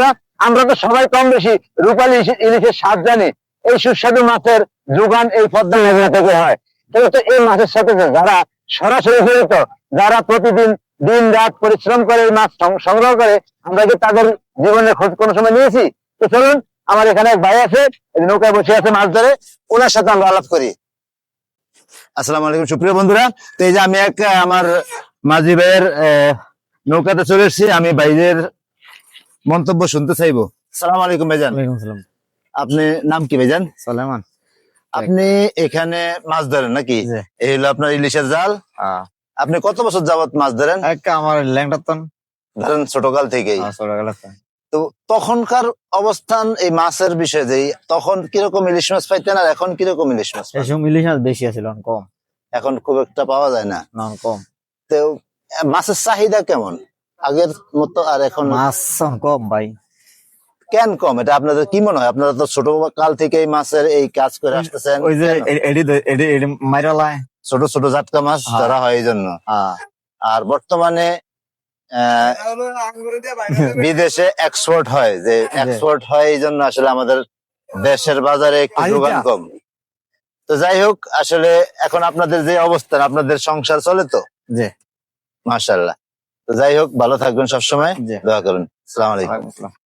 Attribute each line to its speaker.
Speaker 1: বন্ধুরা, আমরা তো সবাই কম বেশি রূপালী ইলিশের স্বাদ জানি। এই সুস্বাদু মাছের যোগান এই পদ্মা মেঘনা থেকে হয়। কিন্তু এই মাছের সাথে যারা সরাসরি জড়িত, যারা প্রতিদিন দিন রাত পরিশ্রম করে এই মাছ সংগ্রহ করে, আমরা কি তাদের জীবনের খোঁজ কোনো সময় নিয়েছি? তো চলুন, আমার এখানে এক ভাই আছে, নৌকায় বসে আছে মাছ ধরে, ওনার সাথে আমরা আলাপ করি। আসসালামু আলাইকুম সুপ্রিয় বন্ধুরা। তো এই যে আমি আমার মাঝি ভাইয়ের নৌকাতে চলে এসেছি। আমি ভাইদের মন্তব্য শুনতে চাইবো। আসসালামু আলাইকুম ভাইজান। আপনি নাম কি ভাইজান?
Speaker 2: সালেমান।
Speaker 1: আপনি এখানে মাছ ধরেন নাকি? এই হলো আপনার ইলিশের জাল। আপনি কত বছর যাবত মাছ ধরেন?
Speaker 2: আমার ল্যাংটাতন
Speaker 1: ধরেন ছোটকাল থেকেই। তো তখনকার অবস্থান এই মাছের বিষয়ে যে তখন কিরকম ইলিশ মাছ পাইতেন আর এখন কিরকম ইলিশ মাছ পান?
Speaker 2: ইলিশ মাছ বেশি আছিল, কম।
Speaker 1: এখন খুব একটা পাওয়া যায় না,
Speaker 2: কম।
Speaker 1: তো মাছের চাহিদা কেমন আগের মতো আর এখন?
Speaker 2: মাছ কম ভাই।
Speaker 1: কেন কম? এটা আপনাদের কি মনে হয়? আপনারা তো ছোট কাল থেকে এই মাছের এই কাজ করে আসতেছেন।
Speaker 2: ওই যে মাইরালায়
Speaker 1: ছোট ছোট জাটকা মাছ ধরা হয় এই জন্য। আর বর্তমানে বিদেশে এক্সপোর্ট হয়, যে এক্সপোর্ট হয় এই জন্য আসলে আমাদের দেশের বাজারে একটু যোগান কম। তো যাই হোক, আসলে এখন আপনাদের যে অবস্থান, আপনাদের সংসার চলে তো?
Speaker 2: জি
Speaker 1: মাশাআল্লাহ। তো যাই হোক, ভালো থাকবেন, সবসময় দোয়া করুন। আসসালামু আলাইকুম।